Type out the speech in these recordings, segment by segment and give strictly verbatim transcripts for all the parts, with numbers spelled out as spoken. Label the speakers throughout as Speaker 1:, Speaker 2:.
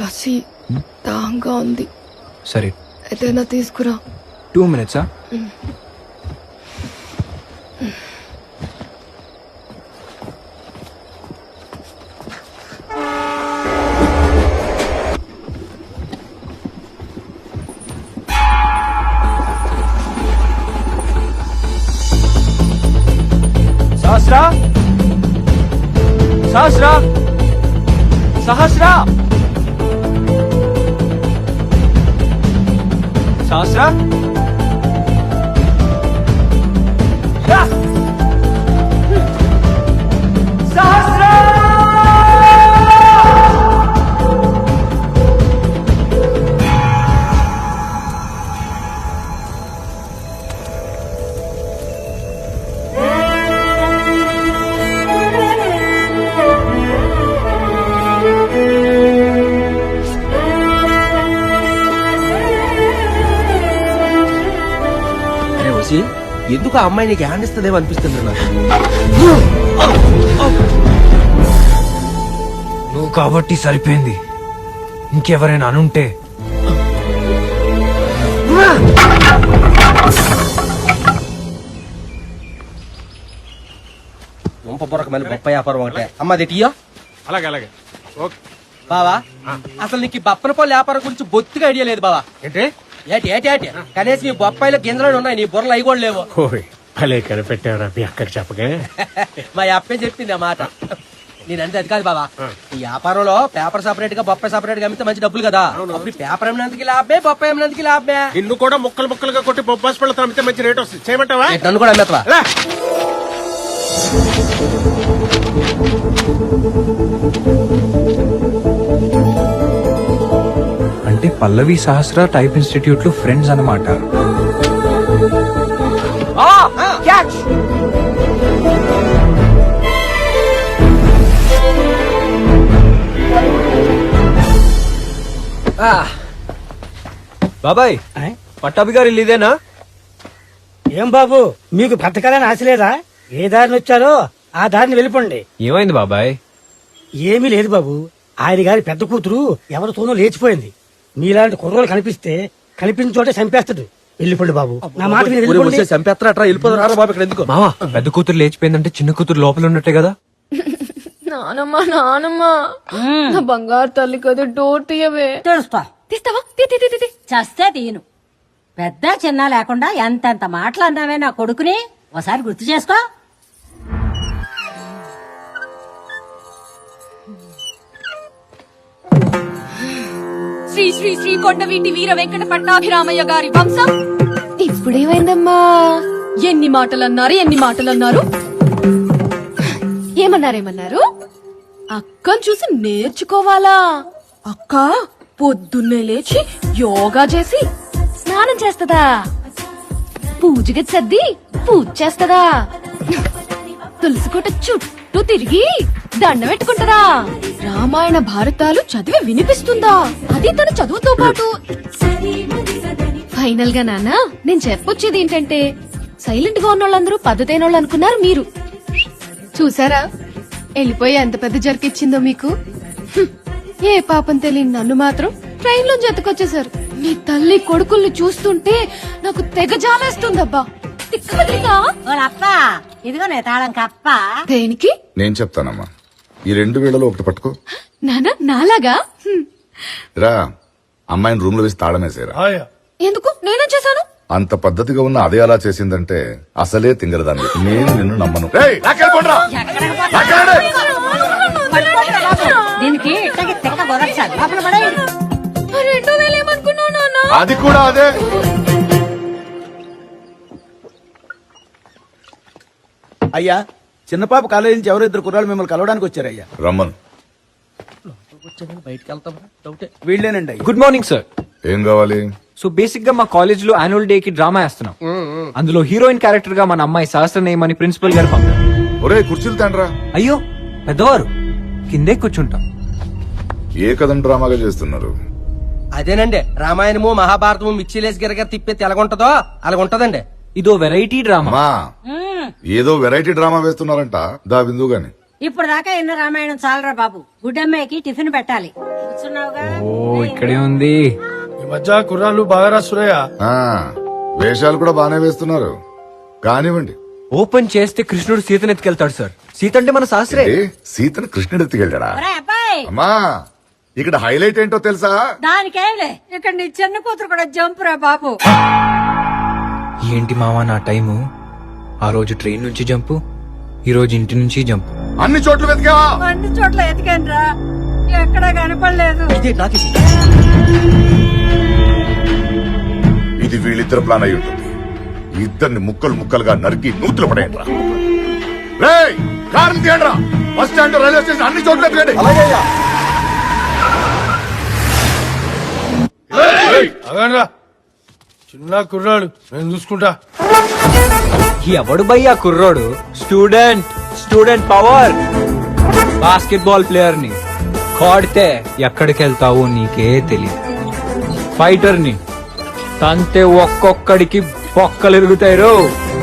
Speaker 1: కసి దాంగా ఉంది.
Speaker 2: సరే
Speaker 1: ఏదైనా తీసుకురా.
Speaker 2: టూ మినిట్సా? సహస్రా సహస్రా సహస్రా సహస్రా సహస్రా
Speaker 3: ఎందుకు ఆ అమ్మాయి నీకు హ్యాండ్ ఇస్తుందేమో అనిపిస్తుంది నాకు.
Speaker 2: నువ్వు కాబట్టి సరిపోయింది. ఇంకెవరైనా అనుంటే
Speaker 3: వంప పొరక మళ్ళీ బొప్ప వ్యాపారం ఒకటే. అమ్మ అది టీయో.
Speaker 4: అలాగే అలాగే
Speaker 3: బావా అసలు నీకు ఈ బప్పన పళ్ళు వ్యాపారం గురించి బొత్తిగా ఐడియా లేదు బావా.
Speaker 4: ఏంటి
Speaker 3: ఏటి ఏటి ఏటి కనీసం ఈ బొప్పాయిలో గింజలు ఉన్నాయి, నీ బుర్రలు అవి కూడా లేవు.
Speaker 4: భలే కనిపెట్టావురా మీ అక్కకి చెప్పకే.
Speaker 3: మా అప్పే చెప్పింది ఆ మాట. నేనంటే అది కాదు బావా, ఈ వ్యాపారంలో పేపర్ సపరేట్ గా బొప్పాయి సపరేట్ గా అమ్మితే మంచి డబ్బులు కదా. అప్పుడు పేపర్ అమ్మినందుకు లాభమే, బొప్పాయి అమ్మినందుకు లాభమే.
Speaker 4: నిన్ను కూడా ముక్కలు ముక్కలుగా కొట్టి బొబ్బాస్ పళ్ళతో అమ్మితే మంచి రేట్ వస్తుంది. చేయమంటావా?
Speaker 3: నన్ను కూడా అమ్మేస్తావా?
Speaker 2: అంటే పల్లవి సహస్ర టైప్ ఇన్స్టిట్యూట్ లో ఫ్రెండ్స్ అన్నమాట. బాబాయ్ పట్టాభి గారు ఇల్లు ఇదేనా?
Speaker 5: ఏం బాబు మీకు బ్రతకాలని ఆశ లేదా? ఏ దారిని వచ్చారో ఆ దారిని వెళ్ళిపోండి.
Speaker 2: ఏమైంది బాబాయ్?
Speaker 5: ఏమీ లేదు బాబు, ఆయన గారి పెద్ద కూతురు ఎవరితోనో లేచిపోయింది. మీలాంటి కుర్రోలు కనిపిస్తే కనిపించిన చోటే చంపేస్తాడు. వెళ్ళిపోండి బాబు, నా మాట విని వెళ్ళిపోండి.
Speaker 3: చంపేస్తారా? వెళ్ళిపోతారా బాబు? ఇక్కడ ఎందుకు
Speaker 2: మావా? పెద్ద కూతురు లేచిపోయిందంటే చిన్న కూతురు లోపల ఉన్నట్టే కదా.
Speaker 1: నానమ్మ నానమ్మ నా బంగారు తల్లి కదా, డోర్ తీయవే.
Speaker 6: తెలుస్తా.
Speaker 1: తీస్తావా? తీ తీ తీ తీ.
Speaker 6: చస్తే తీయను. పెద్ద చిన్న లేకుండా ఎంతెంత మాటలు అన్నావే నా కొడుకుని, ఒకసారి గుర్తు చేసుకో.
Speaker 7: శ్రీ శ్రీ శ్రీ కొండవీటి వీర వెంకట పట్టాభిరామయ్య గారి వంశం.
Speaker 1: ఇప్పుడేమైందమ్మా?
Speaker 7: ఎన్ని మాటలన్నారు, ఎన్ని మాటలన్నారు.
Speaker 1: ఏమన్నారేమన్నారు?
Speaker 7: అక్కను చూసి నేర్చుకోవాలా? అక్క పొద్దున్నే లేచి యోగా చేసి
Speaker 1: స్నానం చేస్తదా? పూజ గది సర్ది పూజ చేస్తదా? తులసి కోట చుట్టూ తిరిగి దండ పెట్టుకుంటదా?
Speaker 7: రామాయణ భారతాలు చదివి వినిపిస్తుందా? అది తన చదువుతో పాటు.
Speaker 1: ఫైనల్ గా నాన్న నేను చెప్పొచ్చేది ఏంటంటే, సైలెంట్ గా ఉన్న వాళ్ళందరూ పద్ధతైన వాళ్ళు అనుకున్నారు మీరు. చూసారా వెళ్ళిపోయి ఎంత పెద్ద జరికిచ్చిందో మీకు. హ్మ్. ఏ పాపం తెలియని నన్ను మాత్రం ట్రైన్ లో జతకొచ్చేసారు. నీ తల్లి కొడుకుల్ని చూస్తుంటే నాకు తెగ జాలేస్తుందబ్బా.
Speaker 6: అప్ప ఇదిగో నే తాళం కప్ప.
Speaker 1: దేనికి?
Speaker 8: నేను చెప్తానమ్మా, ఈ రెండు వేళలో ఒకటి పట్టుకో.
Speaker 1: నానా నాలాగా? హ్మ్.
Speaker 8: రా, అమ్మాయిని రూమ్ లో వేసి తాళమేసేరా.
Speaker 1: ఎందుకు? నేనేం చేశాను?
Speaker 8: అంత పద్ధతిగా ఉన్న అదే అలా చేసిందంటే అసలే తింగరదాన్ని. నేను నిన్ను నమ్మను.
Speaker 6: దీనికి ఇట్టకి తిక్క గొరచాలి. లోపల పడేయండి.
Speaker 1: రెండో వేలు ఏమనుకున్నావు నాన్న?
Speaker 8: అది కూడా అదే.
Speaker 9: అయ్యా, చిన్నపాప కాలేజీ నుంచి ఎవరో ఇద్దరు కుర్రాళ్ళు మిమ్మల్ని కలవడానికి వచ్చారయ్యా.
Speaker 8: రమ్మను.
Speaker 3: బయటకు వెళ్తాం డౌటే.
Speaker 9: వీళ్ళేనండి.
Speaker 2: Good morning sir.
Speaker 8: ఏం కావాలి?
Speaker 2: సో బేసిక్ గా మా కాలేజ్ లో యాన్యువల్ డే కి డ్రామా వేస్తున్నాం. అందులో హీరోయిన్ క్యారెక్టర్ గా మన అమ్మాయి సహస్ర నేమని ప్రిన్సిపల్ గారు పంపారు.
Speaker 8: ఒరే కుర్చీలు తండ్రా.
Speaker 2: అయ్యో పెద్దవారు, కిందే కూర్చుంటాం.
Speaker 8: ఏ కథం డ్రామాగా చేస్తున్నారు?
Speaker 3: అదేనండి, రామాయణము మహాభారతము మిక్సీలేసి గిరగర తిప్పేది ఎలాగుంటదో అలాగుంటదండి.
Speaker 2: ఇదో వెరైటీ డ్రామా.
Speaker 8: మా ఏదో వెరైటీ డ్రామా వేస్తున్నారంట. దా బిందు గాని.
Speaker 6: ఇప్పుడు దాకా ఎన్న రామాయణం చాలరా బాబు. గుడ్డమ్మాయికి టిఫిన్ పెట్టాలి. కూర్చున్నావుగా
Speaker 2: ఓ ఇక్కడే ఉంది.
Speaker 4: ఈ మధ్య కుర్రాళ్ళు బాగా రాస్తున్నాయా?
Speaker 8: ఆ, వేషాలు కూడా బానే వేస్తున్నారు. కానివ్వండి.
Speaker 2: ఓపెన్ చేస్తే కృష్ణుడు సీతను ఎత్తుకెళ్తాడు సార్. సీత అంటే మన శాస్త్రే.
Speaker 8: ఏ, సీతను కృష్ణుడు ఎత్తుకెళ్ళాడా?
Speaker 6: ఒరేయ్ అబ్బాయి
Speaker 8: అమ్మా, ఇక్కడ హైలైట్ ఏంటో తెలుసా?
Speaker 6: దానికేంలే ఇక్కడ నీ చిన్న కూతురు కూడా జంప్ రా బాబు.
Speaker 2: ఏంటి మావా నా టైము? ఆ రోజు ట్రైన్ నుంచి జంపు, ఈ రోజు ఇంటి నుంచి జంపు.
Speaker 8: అన్ని చోట్ల వెతికావా?
Speaker 6: అన్ని చోట్ల ఎతికాను రా, ఎక్కడా కనపడలేదు.
Speaker 3: ఇదే నాకు
Speaker 8: ఇది వీళ్ళిద్దరు ప్లాన్ అయి ఉంటుంది. ఇద్దరిని ముక్కలు ముక్కలుగా నరికి నూతులు పడేయండిరా. రేయ్, కారుని తీయండిరా. బస్ స్టాండ్, రైల్వే స్టేషన్ అన్ని చోట్ల వెతకండి.
Speaker 4: అగండ్రా, చిన్న కుర్రాడు, నేను చూసుకుంటా.
Speaker 2: ఎవడు భయ్యా కుర్రోడు? Student, student power, basketball player ని కోడితే ఎక్కడికి వెళ్తావో నీకే తెలియదు. ఫైటర్ ని తంతే ఒక్కొక్కడికి బొక్కలు ఎరుగుతాయి రో.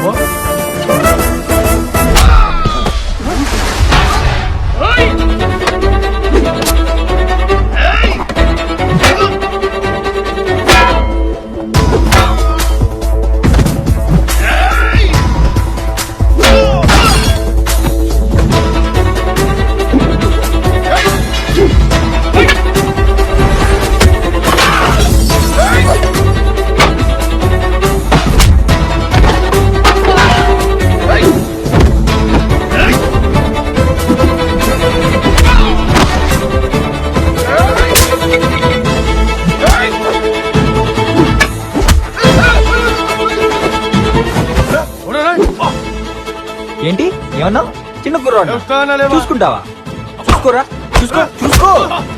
Speaker 2: ఏంటి ఏమన్నా? చిన్న కుర్రాడు
Speaker 4: వస్తానలేవా?
Speaker 2: చూసుకుంటావా? చూసుకోరా, చూసుకో చూసుకో.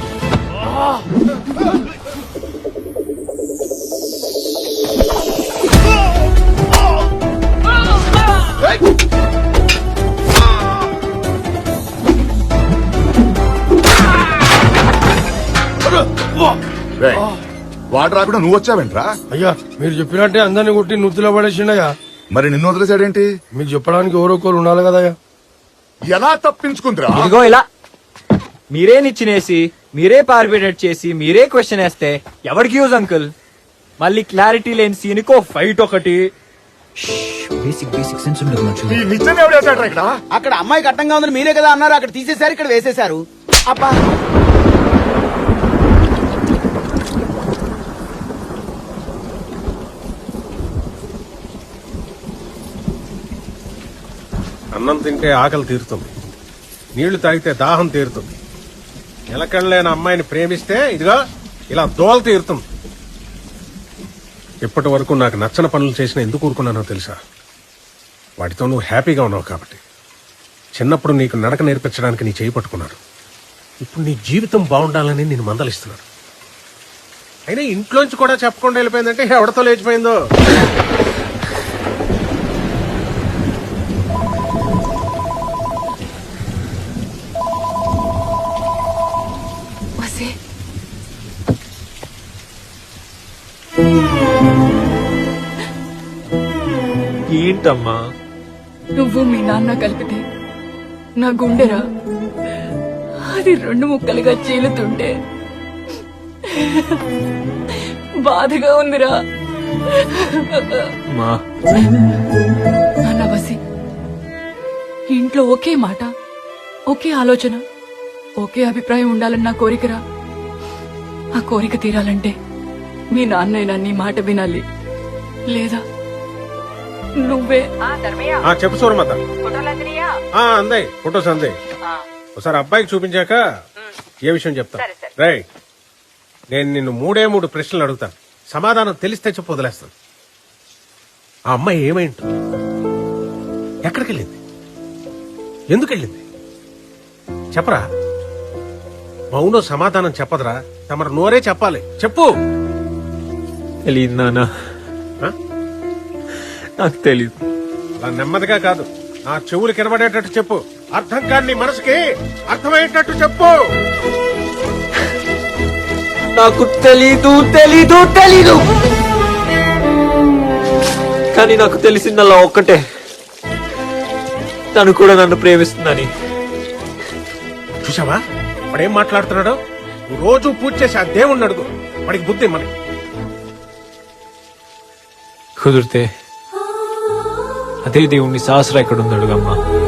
Speaker 8: రేయ్, వాడు రాకుండా నువ్వు వచ్చావేంట్రా?
Speaker 4: అయ్యా, మీరు చెప్పినట్టే అందరిని కొట్టి నుత్తులో పడేసిండయ్యా.
Speaker 8: మరి నిన్ను వదిలేసాడేంటి?
Speaker 4: మీకు చెప్పడానికి ఎవరొకరు ఉండాలి కదయ్యా.
Speaker 8: ఎలా తప్పించుకుందిరా?
Speaker 2: ఇదిగో ఇలా మీరే నిచ్చినేసి, మీరే పార్బిడేట్ చేసి, మీరే క్వశ్చన్ వేస్తే ఎవరికి యూజ్ అంకుల్? మళ్ళీ క్లారిటీ లేని సీన్కో ఫైట్ ఒకటి. బేసిక్ బేసిక్ సెన్స్ ఉండదు
Speaker 8: ఈ
Speaker 2: మనుషులు.
Speaker 8: నిజం ఎవడు వేసాడ్రా ఇక్కడ?
Speaker 9: అక్కడ అమ్మాయి కట్టంగా ఉందని మీరే కదా అన్నారు. అక్కడ తీసేశారు, ఇక్కడ వేసేశారు. అబ్బా,
Speaker 4: అన్నం తింటే ఆకలి తీరుతుంది, నీళ్లు తాగితే దాహం తీరుతుంది. నిలకడలేని అమ్మాయిని ప్రేమిస్తే ఇదిగో ఇలా దోల తీరుతుంది. ఇప్పటి వరకు నాకు నచ్చని పనులు చేసిన ఎందుకు ఊరుకున్నానో తెలుసా? వాటితో నువ్వు హ్యాపీగా ఉన్నావు కాబట్టి. చిన్నప్పుడు నీకు నడక నేర్పించడానికి నీ చేయి పట్టుకున్నాను. ఇప్పుడు నీ జీవితం బాగుండాలని నేను మందలిస్తున్నాను. అయినా ఇంట్లోంచి కూడా చెప్పకుండా వెళ్ళిపోయిందంటే ఎవరితో లేచిపోయిందో.
Speaker 7: వసే
Speaker 2: ఏంటమ్మా?
Speaker 7: నువ్వు మీ నాన్న కలిపితే నా గుండెరా, అది రెండు ముక్కలుగా చీలుతుంటే బాధగా ఉందిరా.
Speaker 2: మా
Speaker 7: నాన్న వసి, ఇంట్లో ఒకే మాట, ఒకే ఆలోచన, ఒకే అభిప్రాయం ఉండాలని నా కోరికరా. ఆ కోరిక తీరాలంటే మీ నాన్నైనా నీ మాట వినాలి, లేదా నువ్వే.
Speaker 4: ఆ చెప్పు సూరమత. ఆ అందాయి ఫొటోస్ అందాయి. ఒకసారి అబ్బాయికి చూపించాక ఏ విషయం చెప్తా. రై, నేను నిన్ను మూడే మూడు ప్రశ్నలు అడుగుతాను, సమాధానం తెలిస్తే చెప్పు, వదిలేస్తాను. ఆ అమ్మాయి ఏమై ఉంటుంది? ఎక్కడికి వెళ్ళింది? ఎందుకు వెళ్ళింది? చెప్పరా. మౌనో సమాధానం చెప్పదురా, తమరు నోరే చెప్పాలి. చెప్పు.
Speaker 2: తెలియదు నాన్న,
Speaker 4: ఆ?
Speaker 2: నాకు తెలీదు.
Speaker 4: అలా నెమ్మదిగా కాదు, నా చెవులు కినబడేటట్టు చెప్పు. అర్థం కాని నీ మనసుకి అర్థమయ్యేటట్టు చెప్పు.
Speaker 2: నాకు తెలీదు తెలీదు తెలీదు కానీ నాకు తెలిసిందల్లా ఒక్కటే, తను కూడా నన్ను ప్రేమిస్తుందని.
Speaker 4: చూసావా వాడేం మాట్లాడుతున్నాడు? నువ్వు రోజు పూజ చేసి ఆ దేవుణ్ణి అడుగు వాడికి బుద్ధి మనకి.
Speaker 2: కుదిరితే అదే దేవుణ్ణి సహస్ర ఎక్కడుంది అడుగమ్మా.